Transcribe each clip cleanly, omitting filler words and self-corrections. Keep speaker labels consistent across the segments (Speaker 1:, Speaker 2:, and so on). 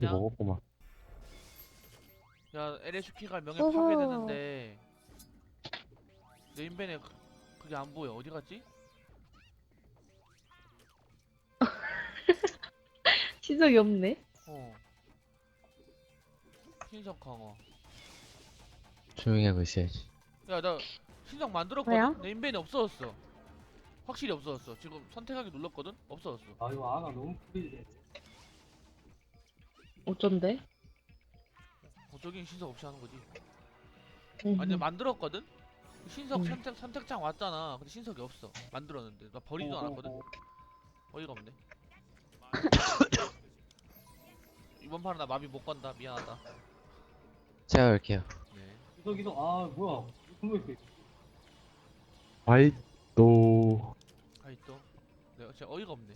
Speaker 1: 그냥
Speaker 2: 먹었구만.
Speaker 1: 야 LHK가 명예
Speaker 3: 어허.
Speaker 1: 파괴되는데 네임벤에 그게 안 보여. 어디 갔지?
Speaker 3: 시작이 없네.
Speaker 1: 어. 신석 강화.
Speaker 4: 조용히 하고 있어야지.
Speaker 1: 야 나 신석 만들었거든?
Speaker 3: 뭐야?
Speaker 1: 네임벤이 없어졌어. 확실히 없어졌어. 지금 선택하기 눌렀거든? 없어졌어.
Speaker 5: 아 이거 아나 너무 프리네.
Speaker 3: 어쩐데?
Speaker 1: 저긴 신석 없이 하는 거지.
Speaker 3: 음.
Speaker 1: 아니 만들었거든? 신석
Speaker 3: 음.
Speaker 1: 선택장 왔잖아. 근데 신석이 없어. 만들었는데 나 버리지도 않았거든? 어이가 없네. 이번 판은 나 마비 못 건다. 미안하다.
Speaker 4: 제가 갈게요.
Speaker 1: 네.
Speaker 5: 이덕 아 뭐야 이거 이렇게
Speaker 2: 아이 또
Speaker 1: 아이 또 내가 진짜 어이가 없네.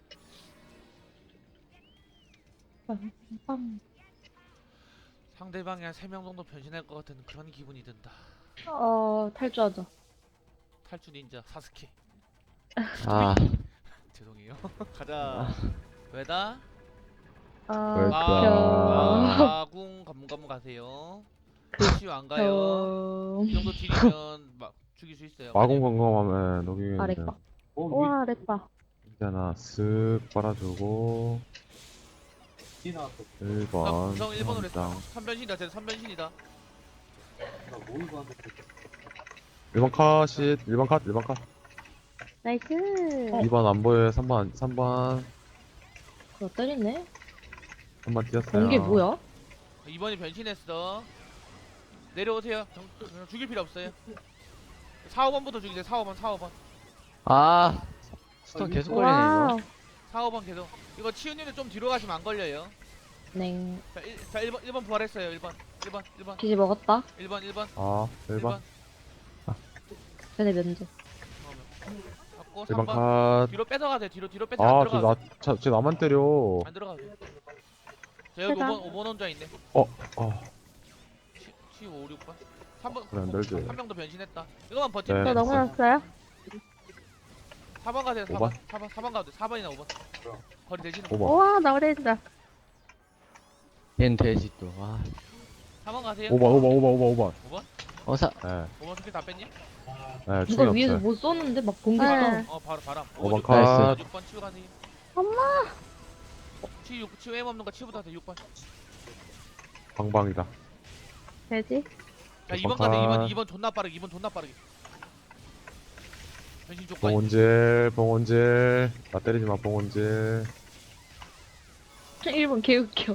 Speaker 3: 빰.
Speaker 1: 상대방이 한 3명 정도 변신할 것 같은 그런 기분이 든다.
Speaker 3: 탈주하자.
Speaker 1: 탈주 닌자 사스케.
Speaker 4: 아,
Speaker 1: 죄송해요. 가자. 왜다?
Speaker 2: 왜?
Speaker 1: 마궁 가문가문 가세요. 치유 안 가요. 이 정도 딜이면 막 죽일 수 있어요.
Speaker 2: 마공 건강하면 녹이는데
Speaker 3: 렉바.
Speaker 5: 어
Speaker 3: 우와, 렉바.
Speaker 2: 있잖아. 쓱 빨아주고
Speaker 5: 위에 나왔어.
Speaker 2: 1번
Speaker 1: 구성 1번으로 했어.
Speaker 2: 장
Speaker 1: 3변신이다. 쟤 3변신이다.
Speaker 5: 나뭐 이거 하는데
Speaker 2: 1번 컷이 1번 컷 1번 컷
Speaker 3: 나이스.
Speaker 2: 2번 안 보여요. 3번
Speaker 3: 그거 때리네.
Speaker 2: 3번 뛰었어요.
Speaker 3: 번개 뭐야?
Speaker 1: 2번이 변신했어. 내려오세요. 죽일 필요 없어요. 4, 5번부터 죽이세요. 4, 5번, 4, 5번.
Speaker 4: 아, 스톤 계속 걸리네
Speaker 3: 와.
Speaker 4: 이거.
Speaker 1: 4, 5번 계속. 이거 치우님도 좀 뒤로 가시면 안 걸려요.
Speaker 3: 냉.
Speaker 1: 자 1번 부활했어요. 1번.
Speaker 3: 기지 먹었다.
Speaker 1: 1번.
Speaker 2: 아 1번
Speaker 3: 쟤네 면제.
Speaker 1: 잡고
Speaker 2: 1번
Speaker 1: 3번.
Speaker 2: 컷.
Speaker 1: 뒤로 뺏어가세요. 뒤로 뺏어 안 들어가.
Speaker 2: 쟤 나만 때려.
Speaker 1: 안 들어가. 자 여기
Speaker 3: 해가.
Speaker 1: 5번 혼자 있네.
Speaker 2: 어.
Speaker 1: 치 5, 6번. 3번.
Speaker 2: 그래, 안 들지.
Speaker 1: 한 명 더 변신했다. 이거만 버티면
Speaker 2: 네.
Speaker 1: 돼.
Speaker 3: 저 넘어졌어요?
Speaker 1: 4번 가세요.
Speaker 2: 5번?
Speaker 1: 4번 가도 돼. 4번이나 5번. 거리 되지는.
Speaker 2: 5번.
Speaker 3: 우와, 나 오래진다.
Speaker 4: 얜 돼지 또. 와.
Speaker 1: 4번 가세요.
Speaker 2: 5번.
Speaker 1: 5번?
Speaker 4: 어사.
Speaker 2: 네.
Speaker 1: 5번 스킬 다 뺐니?
Speaker 2: 네,
Speaker 3: 누가
Speaker 2: 충이
Speaker 3: 위에서
Speaker 2: 없어요.
Speaker 3: 못 쏘는데 막 번개
Speaker 1: 바람.
Speaker 3: 쏴.
Speaker 1: 바로 바람.
Speaker 2: 5번
Speaker 1: 6번,
Speaker 2: 컷.
Speaker 1: 6번 치우 가세요.
Speaker 3: 엄마.
Speaker 1: 치우 M 없는 거 치우부터 하세요. 6번.
Speaker 2: 방방이다.
Speaker 3: 되지?
Speaker 1: 자 2번
Speaker 2: 6번
Speaker 1: 가세요.
Speaker 2: 컷.
Speaker 1: 2번 존나 빠르게. 2번 존나 빠르게. 변신 조건.
Speaker 2: 봉온질. 나 때리지 마, 봉온질.
Speaker 3: 1번 개웃겨.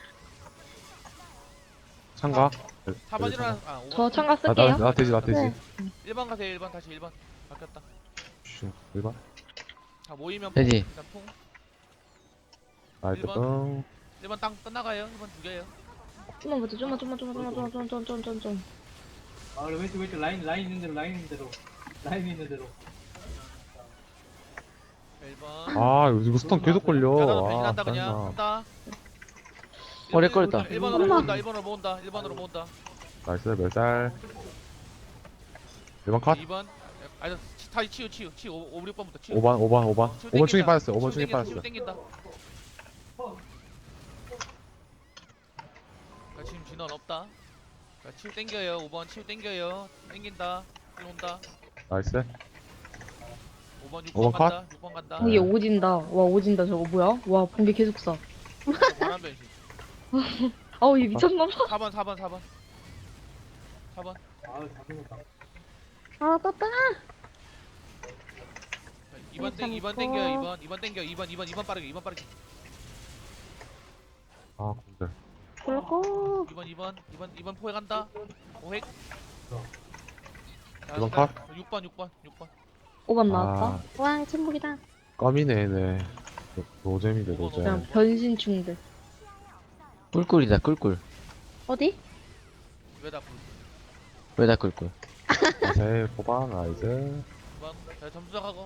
Speaker 2: 창가?
Speaker 1: 4번 일어나. 5번.
Speaker 3: 저 참가
Speaker 2: 나
Speaker 3: 쓸게요.
Speaker 2: 돼지.
Speaker 3: 네.
Speaker 1: 1번 가세요. 1번 다시 1번. 바뀌었다.
Speaker 2: 1번.
Speaker 1: 자 모이면
Speaker 4: 돼지.
Speaker 1: 일단 풍.
Speaker 2: 나이트
Speaker 1: 1번.
Speaker 2: 똥.
Speaker 1: 1번 땅 끝나가요. 1번 죽여요.
Speaker 3: 좀만 버텨, 좀만. 좀.
Speaker 5: 아 왼쪽 라인 있는 대로 라인 있는 대로
Speaker 1: 1번.
Speaker 2: 아, 이거 스턴 계속 걸려.
Speaker 1: 야, 나도
Speaker 2: 아,
Speaker 1: 변신한다 그냥.
Speaker 2: 짜증나.
Speaker 1: 한다.
Speaker 4: 어, 렉 걸렸다.
Speaker 1: 1번으로
Speaker 3: 엄마.
Speaker 1: 모은다. 1번으로 모은다. 1번으로 모은다.
Speaker 2: 나이스, 몇 살? 1번 컷?
Speaker 1: 2번. 아니 다시 치우. 5, 6번부터 치우.
Speaker 2: 5번.
Speaker 1: 치우
Speaker 2: 5번 충이
Speaker 1: 땡긴다.
Speaker 2: 빠졌어요. 5번
Speaker 1: 치우
Speaker 2: 충이
Speaker 1: 땡긴다,
Speaker 2: 빠졌어요.
Speaker 1: 치우 땡긴다. 자, 지금 진원 없다. 자, 치우 땡겨요. 5번 치우 땡겨요. 땡긴다. 일 온다.
Speaker 2: 나이스.
Speaker 1: 5번 6번
Speaker 2: 5번
Speaker 1: 간다. 6번 간다.
Speaker 3: 번개 오진다. 와, 오진다. 저거 뭐야? 와, 번개 계속 쏴.
Speaker 1: 바람 변신.
Speaker 3: 아우, 얘 미쳤나봐.
Speaker 1: 4번. 4번.
Speaker 5: 아 잘못했다.
Speaker 3: 아, 떴다.
Speaker 1: 2번 땡 2번
Speaker 3: 놓고.
Speaker 1: 땡겨요. 2번 땡겨. 2번 빠르게. 2번 빠르게.
Speaker 2: 아, 근데.
Speaker 3: 그렇고.
Speaker 1: 2번 포획 간다. 포획. 자,
Speaker 2: 2번
Speaker 1: 일단
Speaker 2: 컷?
Speaker 1: 6번.
Speaker 3: 5번 나왔다. 와, 침묵이다.
Speaker 2: 껌이네, 얘네. 노잼이네,
Speaker 1: 오번,
Speaker 2: 노잼.
Speaker 3: 그냥 변신충들.
Speaker 4: 꿀꿀이다 꿀꿀.
Speaker 3: 어디?
Speaker 1: 왜다 불?
Speaker 4: 왜다 꿀꿀?
Speaker 2: 자세히 뽑아, 나이스.
Speaker 1: 2번. 자, 점수 하고.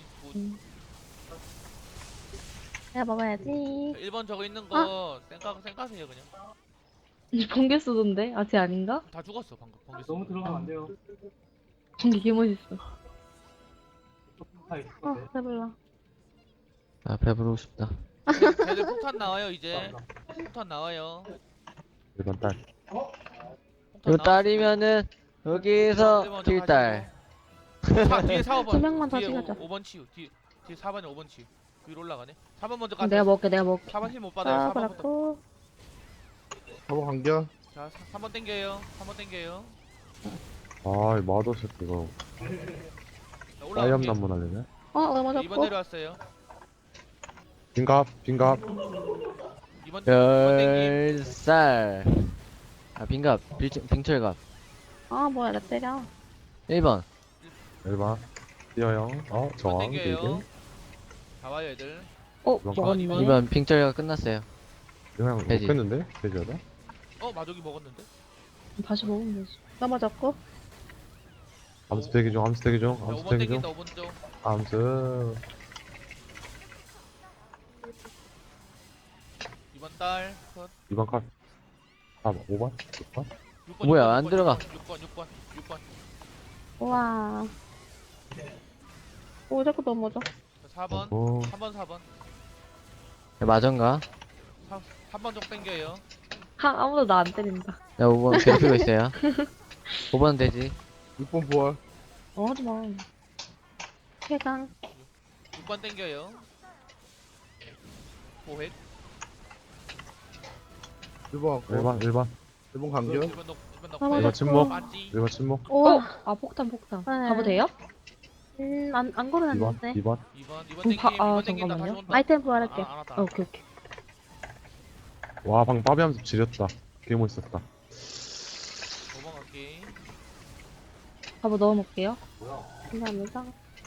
Speaker 3: 내가 먹어야지.
Speaker 1: 1번 저거 있는 거 쌩까세요 그냥.
Speaker 3: 번개 쏘던데? 아, 쟤 아닌가?
Speaker 1: 다 죽었어 방금. 번개
Speaker 5: 너무
Speaker 1: 쏘고.
Speaker 5: 들어가면 안 돼요.
Speaker 3: 번개 개멋있어.
Speaker 5: 하이.
Speaker 3: 아, 배불러.
Speaker 4: 아 배부르고 싶다.
Speaker 1: 쟤들 폭탄 나와요 이제. 폭탄 나와요.
Speaker 2: 1번 딸.
Speaker 1: 폭탄
Speaker 4: 이거 딸이면은 여기서
Speaker 1: 먼저
Speaker 4: 킬딸.
Speaker 1: 뒤에 4번.
Speaker 3: 두 명만 더 찍어줘.
Speaker 1: 5번 치유. 뒤에 4번이 5번 치유. 위로 올라가네. 4번 먼저
Speaker 3: 내가
Speaker 1: 가세요.
Speaker 3: 먹을게 내가 먹을게.
Speaker 1: 4번 힐 못 받아요. 4번부터.
Speaker 3: 그렇고.
Speaker 2: 한번 간겨.
Speaker 1: 자, 3번 땡겨요. 3번 땡겨요.
Speaker 2: 아, 이 마더 새끼 이거.
Speaker 1: 자,
Speaker 2: 사이암
Speaker 1: 올라갈게.
Speaker 2: 난문 하려네.
Speaker 3: 넘어졌고.
Speaker 1: 2번 내려왔어요.
Speaker 2: 빈갑, 빈갑.
Speaker 1: 2번 땡김.
Speaker 4: 별살. 아 빈갑 빙철갑.
Speaker 3: 뭐야 나 때려.
Speaker 4: 1번.
Speaker 2: 1번. 뛰어요.
Speaker 1: 2번
Speaker 2: 저항.
Speaker 1: 땡겨요.
Speaker 2: 되게.
Speaker 1: 다 와요 애들.
Speaker 3: 먹었네.
Speaker 4: 2번 빙철갑 끝났어요.
Speaker 2: 그냥
Speaker 4: 돼지.
Speaker 2: 먹겠는데? 돼지하다?
Speaker 1: 마족이 먹었는데?
Speaker 3: 다시 먹으면 되지. 넘어졌고.
Speaker 2: 암수 대기 중, 암수 대기 중,
Speaker 1: 자,
Speaker 2: 암수
Speaker 1: 5번
Speaker 2: 대기 중.
Speaker 1: 땡긴다 5번 쪽.
Speaker 2: 암수.
Speaker 1: 2번 딸. 컷.
Speaker 2: 2번 컷. 4번, 5번? 6번?
Speaker 1: 6번,
Speaker 4: 뭐야,
Speaker 1: 6번,
Speaker 4: 안
Speaker 1: 6번,
Speaker 4: 들어가.
Speaker 1: 6번.
Speaker 3: 우와. 오 자꾸 넘어져.
Speaker 1: 자, 4번.
Speaker 2: 오,
Speaker 1: 3번 4번.
Speaker 4: 맞은가?
Speaker 1: 3번 쪽 땡겨요.
Speaker 3: 아무도 나 안 때린다.
Speaker 4: 나 5번 괴롭히고 있어요. 5번 되지.
Speaker 2: 6번 부활.
Speaker 3: 하지마. 해강.
Speaker 1: 6번 땡겨요. 보획.
Speaker 2: 1번, 1번, 1번.
Speaker 6: 1번 간겨?
Speaker 1: 1번 넣고 1번
Speaker 3: 아,
Speaker 1: 넣고.
Speaker 3: 맞아.
Speaker 2: 침묵.
Speaker 1: 빠지.
Speaker 2: 1번 침묵.
Speaker 3: 우와. 폭탄.
Speaker 7: 네.
Speaker 3: 가도 돼요?
Speaker 7: 안
Speaker 2: 2번,
Speaker 7: 걸어놨는데.
Speaker 2: 2번.
Speaker 1: 2번 땡김. 2번 땡긴다. 다시
Speaker 3: 잠깐만요.
Speaker 1: 온다.
Speaker 7: 아이템 부활할게.
Speaker 1: 안 왔다.
Speaker 3: 오케이.
Speaker 2: 와, 방금 빠비 하면서 지렸다. 개 멋있었다.
Speaker 1: 5번 갈게.
Speaker 3: 가보 넣어놓을게요.
Speaker 7: 감사합니다.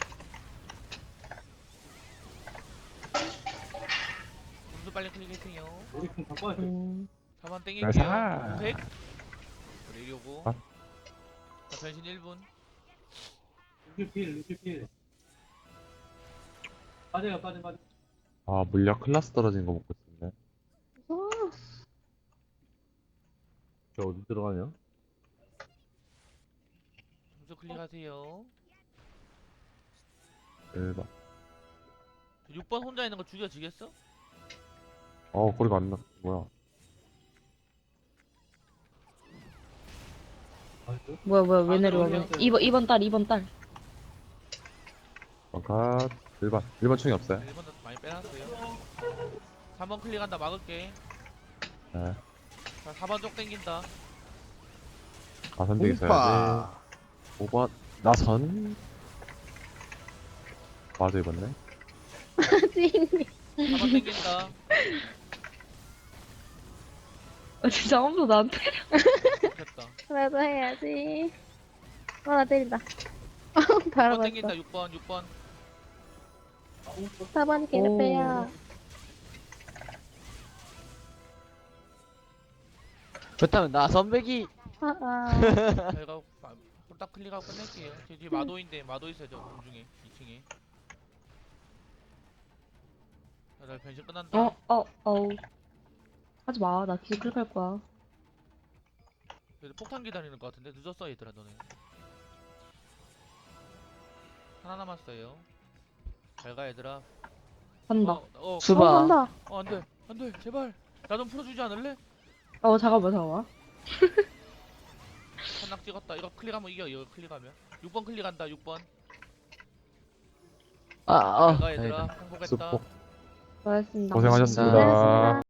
Speaker 1: 점수 빨리 클릭해주세요.
Speaker 5: 우리 좀 바꿔야 돼.
Speaker 1: 4번
Speaker 2: 나이스.
Speaker 1: 땡길게요. 보획. 그래 이러고.
Speaker 2: 아.
Speaker 1: 자 변신 1분.
Speaker 5: 루키필. 빠져요.
Speaker 2: 아, 물약 클라스 떨어진 거 먹고 있었네.
Speaker 6: 저 어디 들어가냐?
Speaker 1: 점수 클릭하세요.
Speaker 2: 1번.
Speaker 1: 6번 혼자 있는 거 죽여지겠어?
Speaker 2: 거리가 안 나. 뭐야.
Speaker 3: 뭐야 왜
Speaker 1: 아,
Speaker 3: 내려와?
Speaker 1: 들어오세요.
Speaker 3: 2번 딸.
Speaker 2: 컷. 1번. 1번 충이 없어요.
Speaker 1: 1번도 많이 빼놨어요. 3번 클릭한다 막을게.
Speaker 2: 네.
Speaker 1: 자 4번 쪽 땡긴다.
Speaker 2: 나선 되게 있어야지. 5번. 나선. 맞아, 입었네.
Speaker 1: 4번 땡긴다.
Speaker 3: 진짜 아무도 나한테.
Speaker 1: 됐다.
Speaker 7: 나도 해야지. 나 때린다.
Speaker 1: 6번
Speaker 7: 바로
Speaker 1: 땡긴다.
Speaker 7: 봤어.
Speaker 1: 6번.
Speaker 7: 4번 괴롭혀요.
Speaker 4: 그렇다면 나 선배기.
Speaker 1: 제가 홀딱 클릭하고 끝낼게요. 제 뒤에 마도인데 마도 있어요. 저 공중에 2층에. 자 변신 끝난다.
Speaker 3: 하지마. 나 기술 클릭할 거야.
Speaker 1: 그래도 폭탄 기다리는 것 같은데 늦었어 얘들아 너네. 하나 남았어요. 잘 가 얘들아.
Speaker 3: 간다.
Speaker 4: 수바.
Speaker 7: 간다.
Speaker 1: 안돼 제발 나 좀 풀어주지 않을래?
Speaker 3: 잠깐만.
Speaker 1: 한낙 찍었다. 이거 클릭하면 이겨. 이거 클릭하면 6번 클릭한다. 6번. 잘 가 얘들아.
Speaker 4: 다행이다.
Speaker 1: 행복했다.
Speaker 2: 수폭.
Speaker 3: 고맙습니다.
Speaker 2: 고생하셨습니다.
Speaker 7: 고생하셨습니다.